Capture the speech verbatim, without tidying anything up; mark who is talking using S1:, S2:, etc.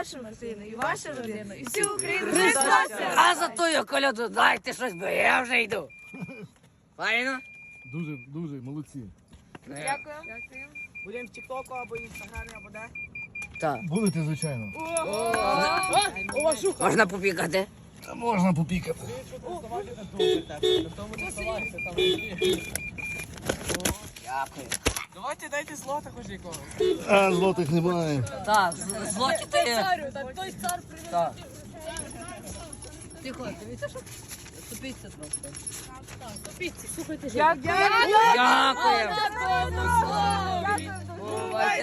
S1: вашу Мартину, і вашу родину, і всю Україну. Христос!
S2: А за тою коляду дайте щось, бо я вже йду. Файно?
S3: Дуже, дуже, молодці.
S1: Дякую.
S4: Будемо в Тіктоку або Інстаграмі, або де.
S2: Так.
S3: Будете, звичайно.
S2: Можна попікати?
S3: Та можна попікати.
S2: Дякую.
S4: Давайте дайте злота хоч якогось.
S3: А, злотих немає.
S2: Так, злоті ти є.
S1: Той цар
S2: Так. Тихо, дивіться, що ступіться трохи.
S1: Слухайте,
S2: Дякую.
S1: Дякую.